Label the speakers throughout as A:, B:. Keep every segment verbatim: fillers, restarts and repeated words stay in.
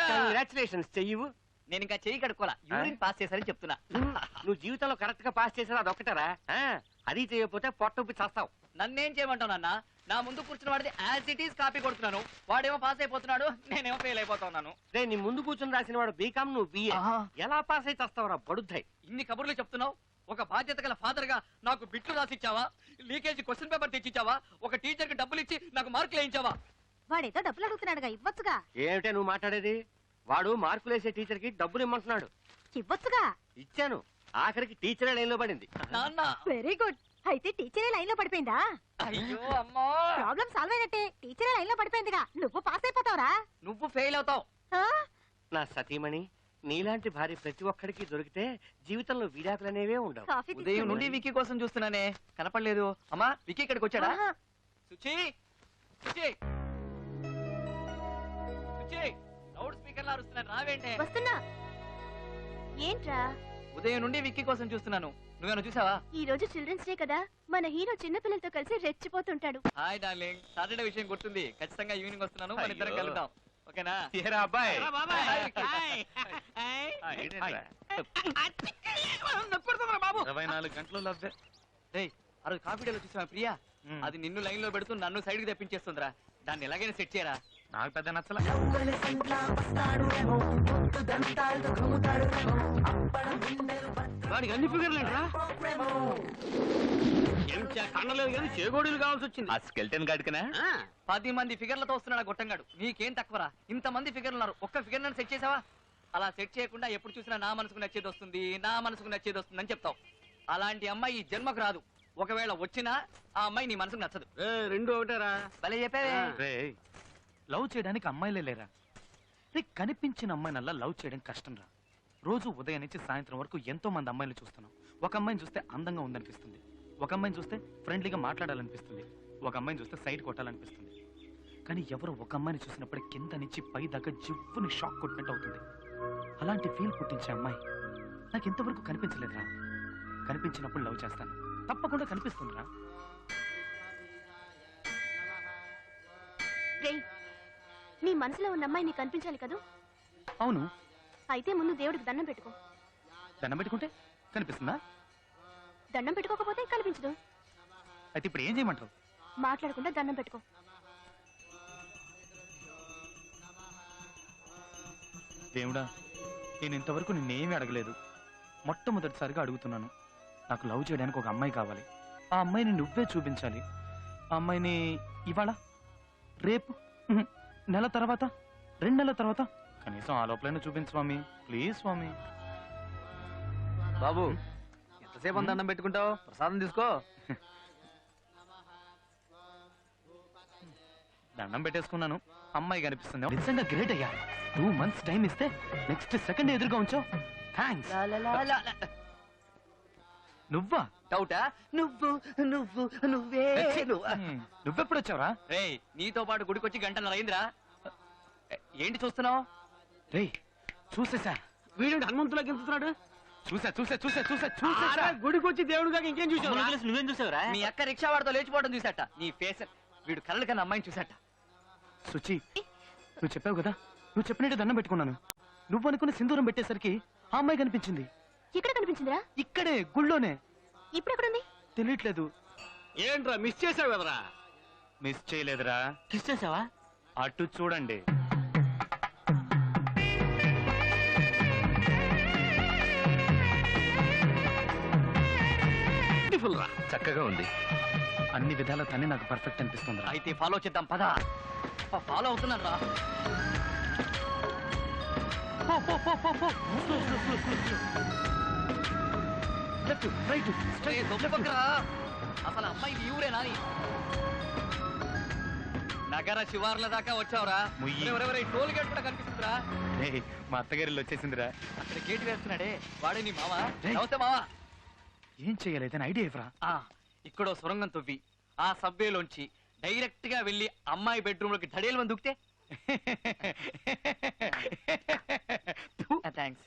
A: Congratulations. చెయ్యవు.
B: నేను ఇంకా చెయ్యి కడుక్కోలా, యూరిన్ పాస్ చేశారని చెప్తున్నా.
A: నువ్వు జీవితంలో కరెక్ట్ గా పాస్ చేసావు అదొక్కటారా? అది చేయకపోతే పొట్టొప్పి చేస్తావు.
B: నన్నేం చేయమంటావు నాన్న? నా ముందు కూర్చున్న వాడిది యాజ్ ఇట్ ఈస్ కాపీ కొడుతున్నాను, వాడేమో పాస్ అయిపోతున్నాడు, నేనేమో ఫెయిల్ అయిపోతున్నాను.
A: రే నీ ముందు కూర్చుని రాసిన వాడు బీకామ్, నువ్వు బిఏ. ఎలా పాస్ అయితే వస్తావురా బడుద్దాయి?
B: ఇన్ని కబుర్లు చెప్తున్నావు. ఒక బాధ్యత గల ఫాదర్ గా నాకు బిట్లు రాసిచ్చావా? లీకేజీ క్వశ్చన్ పేపర్ తెచ్చిచ్చావా? ఒక టీచర్ కి డబ్బులు ఇచ్చి నాకు మార్కులు వేయించావా?
C: వాడేదో డబ్బులు అడుగుతున్నాడుగా, ఇవ్వచ్చుగా.
A: ఏమిటే నువ్వు మాట్లాడేది? వాడు మార్కులు వేసే టీచర్ కి డబ్బులు ఇమ్మంటున్నాడు.
C: ఇవ్వచ్చుగా.
A: ఇచ్చాను, ఆఖరికి టీచరే లైన్ లో పడింది.
B: నాన్న
C: వెరీ గుడ్. అయితే టీచరే లైన్ లో పడిపోయిందా?
B: అయ్యో అమ్మా,
C: ప్రాబ్లం సాల్వ్ అయినట్టే. టీచరే లైన్ లో పడిపోయిందిగా, నువ్వు పాస్ అయిపోతావురా.
B: నువ్వు ఫెయిల్ అవుతావు.
A: నా సతీమణి, నీలాంటి భార్య ప్రతి ఒక్కడికి దొరికితే జీవితంలో విడాకులనేవే ఉండవు.
B: ఉదయం నుండి విక్కీ కోసం చూస్తున్నానే, కనపడలేదు. అమ్మా విక్కీ ఇక్కడికి వచ్చాడా? సుచి, సుచి, సుచి, లౌడ్ స్పీకర్ లా అరుస్తున్నాను, రావేంటే?
C: వస్తున్నా. ఏంట్రా?
B: ఉదయం నుండి విక్కీ కోసం చూస్తున్నాను, నువ్వేనా చూసావా?
C: ఈ రోజు చిల్డ్రన్స్ డే కదా, మన హీరో చిన్న పిల్లలతో కలిసి రెచ్చిపోతుంటాడు.
B: హాయ్ డార్లింగ్, సాటర్డే విషయం గుర్తుంది. ఖచ్చితంగా ఈవినింగ్ వస్తున్నాను, మన ఇద్దరం కలుద్దాం. ఓకేనా?
A: అబ్బాయి
D: ఇరవై నాలుగు గంటలు లవ్వే.
B: ఆ రోజు కాఫీ డేలో చూసావా ప్రియా? అది నిన్ను లైన్ లో పెడుతూ నన్ను సైడ్ కి తెప్పించేస్తుందిరా. దాన్ని ఎలాగైనా సెట్ చేయరా.
D: నాకు పెద్ద నచ్చలా.
A: వాడికి అన్ని ఫిగర్లు ఏంట్రా? కండలేదు కానీ చేగోడీలు కావాల్సి వచ్చింది.
D: ఆ స్కెల్టన్ గాడికనా?
B: పది మంది ఫిగర్లతో వస్తున్నాడు గొట్టంగాడు. నీకేం తక్కువరా? ఇంత మంది ఫిగర్లు ఉన్నారు, ఒక్క ఫిగర్ నన్ను సెట్ చేసావా? అలా సెట్ చేయకుండా ఎప్పుడు చూసినా నా మనసుకు నచ్చేది వస్తుంది, నా మనసుకు నచ్చేది వస్తుంది అని చెప్తావు. అలాంటి అమ్మాయి ఈ జన్మకు రాదు. ఒకవేళ వచ్చినా ఆ అమ్మాయి నీ మనసుకు నచ్చదు.
A: రెండు ఒకటేరా.
B: భలే చెప్పావే.
D: లవ్ చేయడానికి అమ్మాయిలే లేరా? రే, కనిపించిన అమ్మాయినల్లా లవ్ చేయడం కష్టం రా. రోజు ఉదయం నుంచి సాయంత్రం వరకు ఎంతో మంది అమ్మాయిలు చూస్తున్నాం. ఒక అమ్మాయిని చూస్తే అందంగా ఉందనిపిస్తుంది, ఒక అమ్మాయిని చూస్తే ఫ్రెండ్లీగా మాట్లాడాలనిపిస్తుంది, ఒక అమ్మాయిని చూస్తే సైడ్ కొట్టాలనిపిస్తుంది. కానీ ఎవరో ఒక అమ్మాయిని చూసినప్పుడు కింద నుంచి పై దాకా జివ్వుని షాక్ కొట్టినట్టు అవుతుంది. అలాంటి ఫీల్ పుట్టించే అమ్మాయి నాకు ఇంతవరకు కనిపించలేదురా. కనిపించినప్పుడు లవ్ చేస్తాను, తప్పకుండా కనిపిస్తుందిరా.
C: నీ మనసులో ఉన్న అమ్మాయి నీకు కనిపించాలి కదా?
D: అవును.
C: అయితే ముందు దేవుడికి దండం పెట్టుకో.
D: దండం పెట్టుకుంటే కనిపిస్తుందా?
C: దండం పెట్టుకోకపోతే కనిపించదు.
D: అయితే ఇప్పుడు ఏం చేయమంటావు?
C: మాట్లాడకుండా దండం పెట్టుకో.
D: దేవుడా, నేను ఇంతవరకు నిన్నేమీ అడగలేదు, మొట్టమొదటిసారిగా అడుగుతున్నాను. నాకు లవ్ చేయడానికి ఒక అమ్మాయి కావాలి. ఆ అమ్మాయిని నువ్వే చూపించాలి. ఆ అమ్మాయిని ఇవాళ, రేపు, నెల తర్వాత, రెండు నెలల తర్వాత, కనీసం ఆ లోపలైనా చూపించు స్వామి, ప్లీజ్ స్వామి.
B: బాబు, ఎంతసేపు దండం పెట్టుకుంటావు? ప్రసాదం తీసుకో.
D: దండం పెట్టేసుకున్నాను, అమ్మాయి కనిపిస్తుంది. నిజంగా గ్రేట్ అయ్యా. టూ మంత్స్ టైం ఇస్తే నెక్స్ట్ సెకండ్ ఎదురుగా ఉంచావు. థ్యాంక్స్. నువ్వా?
B: డౌటా? నువ్వు నువ్వు నువ్వే.
D: నువ్వెప్పుడు వచ్చావురా?
B: రే, నీతో పాటు గుడికొచ్చి గంటన్నర అయిందిరా. ఏంటి చూస్తున్నావు?
D: రే, చూసేసా.
A: వీడు హనుమంతులా గెలుస్తున్నాడు.
D: చూసా చూసా చూసా చూసా చూసా.
A: గుడికి వచ్చి దేవుడుగా ఇంకేం చూసావు?
B: నువ్వేం చూసావురా? నీ అక్క రిక్షా వాడితో లేచిపోవడం చూసాట. నీ ఫేస్, వీడు కళ్ళ కన్నా అమ్మాయిని చూసాట.
D: సుచి, నువ్వు చెప్పావు కదా, నువ్వు చెప్పినట్టు దండం పెట్టుకున్నాను. నువ్వు అనుకున్న సింధూరం పెట్టేసరికి ఆ అమ్మాయి కనిపించింది.
C: ఎక్కడ కనిపించిందిరా?
D: ఇక్కడే, గుళ్ళోనే.
C: ఇప్పుడు ఎక్కడుంది?
D: తెలియట్లేదు.
A: ఏంట్రా మిస్ చేసావు కదరా?
D: మిస్ చేయలేదురా.
A: మిస్ చేసావా?
D: అటు చూడండి. చక్కగా ఉంది. అన్ని విధాల తనే నాకు పర్ఫెక్ట్ అనిపిస్తుంది.
B: అయితే ఫాలో చేద్దాం పదా. ఫాలో అవుతున్నాను రా. అసలు అమ్మాయి ఊరేనా? నగర శివార్ల దాకా వచ్చావురా. టోల్ గేట్ కూడా కనిపిస్తుందిరా.
D: మా అత్తగారిలో వచ్చేసిందిరా.
B: అక్కడ గేట్ వేస్తున్నాడే, వాడే నీ మావా? నమస్తే మావా.
D: ఏం చెయ్యాలి ఐడియా ఇవ్వరా?
B: ఇక్కడో సొరంగం తవ్వి ఆ సబ్వేలోంచి డైరెక్ట్ గా వెళ్లి అమ్మాయి బెడ్రూమ్ లోకి ధడేలు మంది దుక్కితే. థ్యాంక్స్.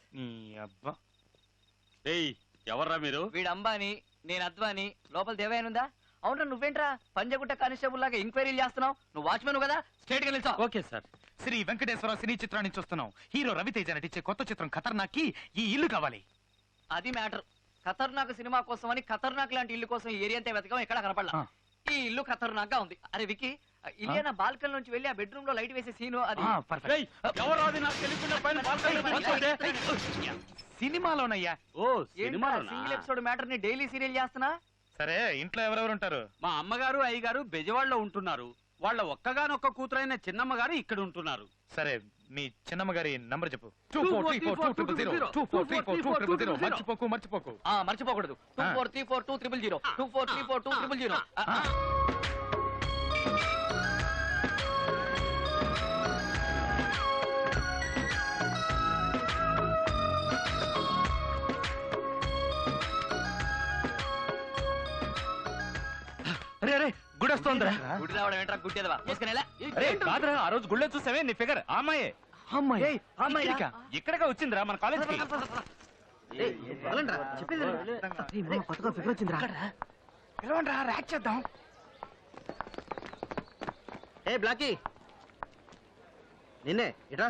D: ఎవర్రా మీరు?
B: వీడు అంబాని, నేను అద్వాని. లోపల దేవయానుందా? అవునరా, నువ్వేంట్రా పంజగుట్ట కానిస్టేబుల్ లాగా ఎంక్వైరీలు చేస్తున్నావు? నువ్వు వాచ్మెన్ కదా, స్ట్రేట్ గా నిల్చో.
D: Okay sir. Sri Venkateswara cine చిత్రాన్ని చూస్తున్నాం. హీరో రవితేజ నటించే కొత్త చిత్రం ఖతర్నాక్కి ఈ ఇల్లు కావాలి.
B: అది మ్యాటర్. ఖతర్నాక్ సినిమా కోసం అని ఖతర్నాక్ లాంటి ఇల్లు కోసం ఏరియా అంతా వెతకం ఎక్కడ కనపడలా. ఈ ఇల్లు ఖతర్నాక్ గా ఉంది. అరే వికి, ఇలియానా బాల్కన్ నుంచి వెళ్ళి ఆ బెడ్రూమ్ లో లైట్ వేసే సీను అది.
D: సినిమాలోనయ్యా.
E: ఓ సినిమాలోనా?
B: సింగిల్ ఎపిసోడ్ మ్యాటర్ ని డైలీ సీరియల్ చేస్తున్నా.
D: సరే, ఇంట్లో ఎవరెవరు ఉంటారు?
E: మా అమ్మగారు అయ్యగారు బెజవాడలో ఉంటున్నారు. వాళ్ళ ఒక్కగానొక్క కూతురైన చిన్నమ్మ గారు ఇక్కడ ఉంటున్నారు.
D: సరే, మీ చిన్నమ్మ గారి నంబర్ చెప్పు. మర్చిపోకు మర్చిపోకు
B: ఆ మర్చిపోకూడదు. Two four three four two triple zero two four three four two triple zero.
D: అరే అరే, గుడి వస్తోందిరా.
B: గుడి రావడం ఏంట్రా గుడ్డేదవా? మూసుకునేలా.
E: అరే కాదురా, ఆ రోజు గుళ్ళో చూసావే నీ ఫిగర్ ఆ అమ్మాయే.
D: అమ్మాయి
B: అమ్మాయిరా?
E: ఇక్కడగా వచ్చిందిరా మన కాలేజ్ కి.
A: ఏ బ్లాకీ, నిన్నే ఇట్రా.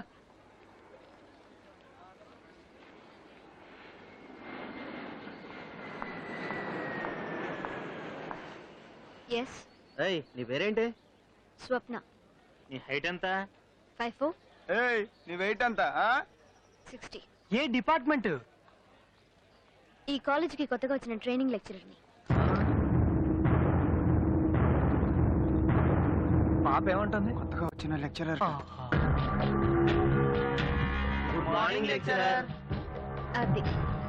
C: ఎస్,
A: ఏయ్, నీ పేరేంటి?
C: స్వప్న.
A: నీ హైట్ ఎంత?
C: ఫైవ్ ఫోర్
F: ఏయ్ నీ వెయిట్ ఎంత?
C: సిక్స్టీ.
D: ఏ డిపార్ట్మెంట్?
C: ఈ కాలేజీకి కొత్తగా వచ్చిన ట్రైనింగ్ లెక్చరర్ని.
D: పాప ఏమంటుంది?
F: కొత్తగా వచ్చిన లెక్చరర్.
A: Good morning lecturer.
C: అది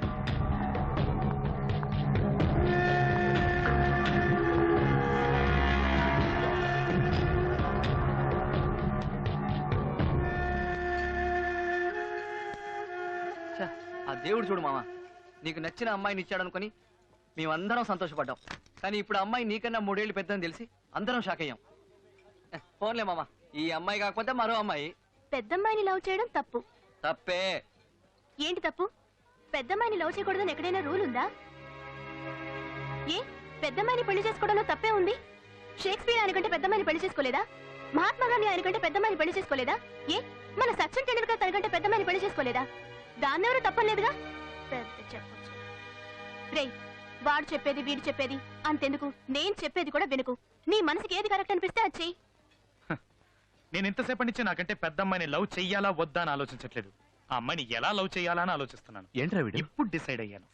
B: ఆ దేవుడు చూడు మామ, నీకు నచ్చిన అమ్మాయిని ఇచ్చాడు అనుకుని మేమందరం సంతోషపడ్డాం. కానీ ఇప్పుడు అమ్మాయి నీకన్నా మూడేళ్లు పెద్దని తెలిసి అందరం షాక్ అయ్యాం. ఫోన్లే మామ, ఈ అమ్మాయి కాకపోతే మరో అమ్మాయి.
C: పెద్దమ్మాయిని లవ్ చేయడం తప్పు.
B: తప్పే.
C: ఏంటి తప్పు? పెద్దమ్మాయిని లవ్ చేయకూడదని ఎక్కడైనా రూల్ ఉందా? ఏ పెద్దమ్మాయిని పెళ్లి చేసుకోవడంలో తప్పే ఉంది? షేక్స్పియర్ ఆయనకంటే పెద్దమ్మాయిని పెళ్లి చేసుకోలేదా? మహాత్మా గాంధీ ఆయనకంటే పెద్దమ్మాయిని పెళ్లి చేసుకోలేదా? ఏ మన సచిన్ టెండూల్కర్ తనకంటే పెద్దమ్మాయిని పెళ్లి చేసుకోలేదా? దాన్నెవరూ తప్పలేదుగా. పెద్ద చెప్పొచ్చు. రే, వాడు చెప్పేది వీడు చెప్పేది అంతెందుకు, నేను చెప్పేది కూడా వినుకు. నీ మనసుకి ఏది కరెక్ట్ అనిపిస్తే అది చెయ్యి.
D: నేను ఇంతసేపటి నుంచి నాకంటే పెద్ద అమ్మాయిని లవ్ చెయ్యాలా వద్దా అని ఆలోచించట్లేదు. ఆ అమ్మాయిని ఎలా లవ్ చెయ్యాలా అని ఆలోచిస్తున్నాను.
E: ఏంట్రా వీడు?
D: ఇప్పుడు డిసైడ్ అయ్యాను.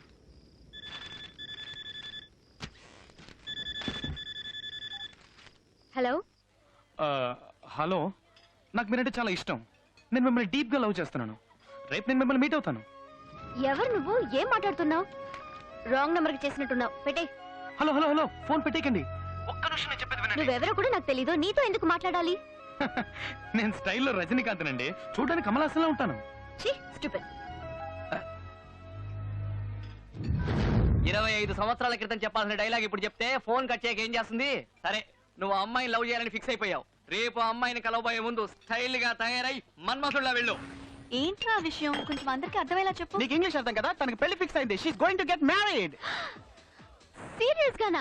C: హలో.
D: హలో, నాకు మీరంటే చాలా ఇష్టం. నేను మిమ్మల్ని డీప్ గా లవ్ చేస్తున్నాను. రేపు నేను మిమ్మల్ని మీట్ అవుతాను.
C: ఎవరు నువ్వు? ఏం మాట్లాడుతున్నావు? రాంగ్ నంబర్ కి చేసినట్టున్నావు. పెట్టే.
D: హలో హలో హలో, ఫోన్ పెట్టేకండి. ఒక్క నిమిషం నేను చెప్పేది వినండి.
C: నువ్వెవరో కూడా నాకు తెలీదు. నీతో ఎందుకు మాట్లాడాలి?
D: నేను స్టైల్లో రజనీకాంత్ నండి. చూడడానికి కమలాసంలో ఉంటాను.
C: ఛీ, స్టూపిడ్.
B: ఇరవై ఐదు సంవత్సరాల క్రితం చెప్పాల్సిన డైలాగ్ ఇప్పుడు చెప్తే ఫోన్ కట్ చేయక ఏం చేస్తుంది? సరే, నువ్వు అమ్మాయిని లవ్ చేయాలని ఫిక్స్ అయిపోయావు. రేపు అమ్మాయిని కలవబోయే ముందు స్టైల్ గా తయారై మన్మథుల్లా వెళ్ళు.
C: ఏంట్రా విషయం? కొంచెం అందరికి అర్థమయ్యేలా చెప్పు.
F: నీకు ఇంగ్లీష్ అర్థం కదా? తనకి పెళ్లి ఫిక్స్ అయింది. She is going to get married.
C: Serious గానా?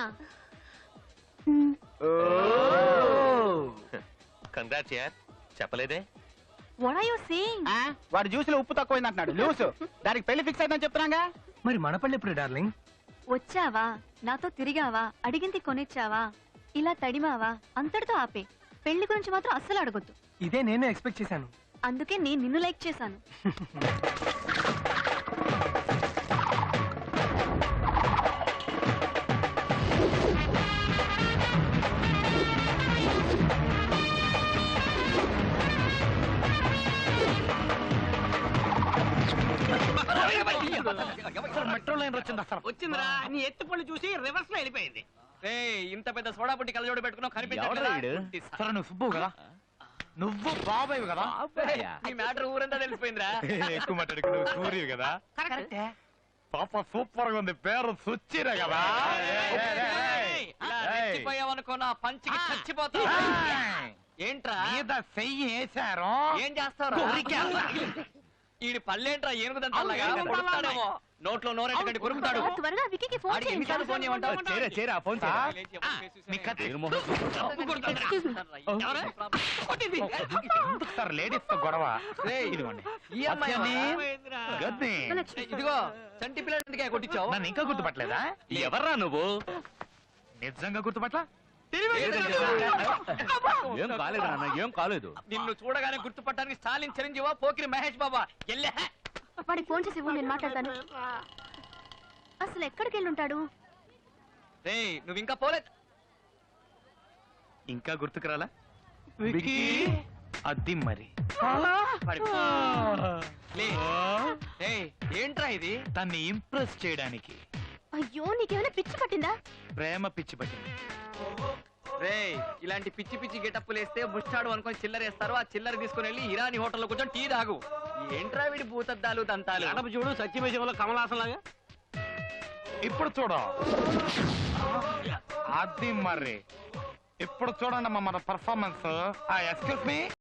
A: కంగ్రాట్స్ యార్. చెప్పలేదే?
C: What are you saying?
F: వాడు జ్యూస్ లో ఉప్పు తక్కువైంది అంటున్నాడు. లూస్. దానికి పెళ్లి ఫిక్స్ అయిందని చెప్తున్నాగా.
D: మరి మన పళ్ళి ఎప్పుడు డార్లింగ్?
C: వచ్చావా, నాతో తిరిగావా, అడిగింది కొనిచ్చావా, ఇలా తడిమావా, అంతటితో ఆపే. పెళ్లి గురించి మాత్రం అస్సలు అడగొద్దు.
D: ఇదే నేను ఎక్స్పెక్ట్ చేశాను.
C: అందుకే నేను నిన్ను లైక్ చేశాను.
D: మెట్రో లైన్ వచ్చింది. అసలు
A: వచ్చిందిరా. నీ ఎత్తు పళ్ళు చూసి రివర్స్ లో వెళ్ళిపోయింది.
B: ఇంత పెద్ద సోడా పుట్టి కలజోడు పెట్టుకున్నావు, కనిపించట్లేదా?
D: సరే, నువ్వు సుబ్బు కదా? నువ్వు బాబాయ్ కదా?
B: ఈ మ్యాటర్ ఊరంతా తెలిసిపోయిందిరా.
D: ఎక్కువ మాట్లాడుకు. నువ్వు సూర్యు కదా? పాప సూపర్ గా ఉంది. పేరు సుచ్చిరా కదా?
B: చచ్చిపోయావనుకో నా పంచికి చచ్చిపోతా. ఏంట్రా
D: మీద చెయ్యి వేశారు.
B: ఏం చేస్తావు? ఈడి పళ్ళేంట్రా ఏనుగుదంతా
E: అవును,
B: అలాగా?
E: ఏనుగు
B: కొరుకుతాడేమో. నోట్లో నోరెట్టకండి కొరుకుతాడు
C: ఆ, త్వరగా విక్కీకి ఫోన్
B: ఆడికి ఎన్నిసార్లు ఫోన్ చేయమంటావు?
F: చేరా చేరా ఫోన్
D: ఆ,
F: చేరా
D: మీ కత్తి
C: Excuse me.
B: కొట్టింది.
D: ఎందుకు సార్ లేడీస్ తో గొడవ
B: రేయ్,
D: ఇదిగోండి
B: ఈ అమ్మాయి
D: గద్ది.
B: ఇదిగో చంటి పిల్లడికే కొట్టించావు.
D: నన్ను ఇంకా గుర్తుపట్టలేదా
E: ఎవర్రా నువ్వు?
D: నిజంగా గుర్తుపట్ల
E: ఏం కాలేదు నాన్న, ఏం కాలేదు.
B: నిన్ను చూడగానే గుర్తుపట్టడానికి స్టాలిన్ చిరంజీవా పోకిరి మహేష్ బాబా ఎల్లే.
C: వాడికి ఫోన్ చేసి ఇవ్వు, నేను మాట్లాడతాను. అసలు ఎక్కడికి వెళ్ళి ఉంటాడు?
B: రేయ్ నువ్వు ఇంకా పోలేదు.
D: ఇంకా గుర్తుకురాలా అది మరి
B: పడి- లే. రేయ్, ఏంట్రా ఇది?
D: తన్ని ఇంప్రెస్ చేయడానికి
C: అయ్యో నీకేమైనా పిచ్చి పట్టిందా?
D: ప్రేమ పిచ్చి పట్టింది.
B: రేయ్ ఇలాంటి పిచ్చి పిచ్చి గెటప్పులు వేస్తే ముష్టాడు అనుకొని చిల్లర వేస్తారు. ఆ చిల్లర తీసుకుని వెళ్ళి ఇరానీ హోటల్లో కూర్చొని టీ తాగు. ఏంట్రా వీడి భూతద్దాలు దంతాలు?
E: ఎడప చూడు సత్యమేశంలో కమలాసన్ లాగా.
D: ఇప్పుడు చూడ అది మరి ఇప్పుడు చూడండి అమ్మా మన పర్ఫార్మెన్స్. Excuse me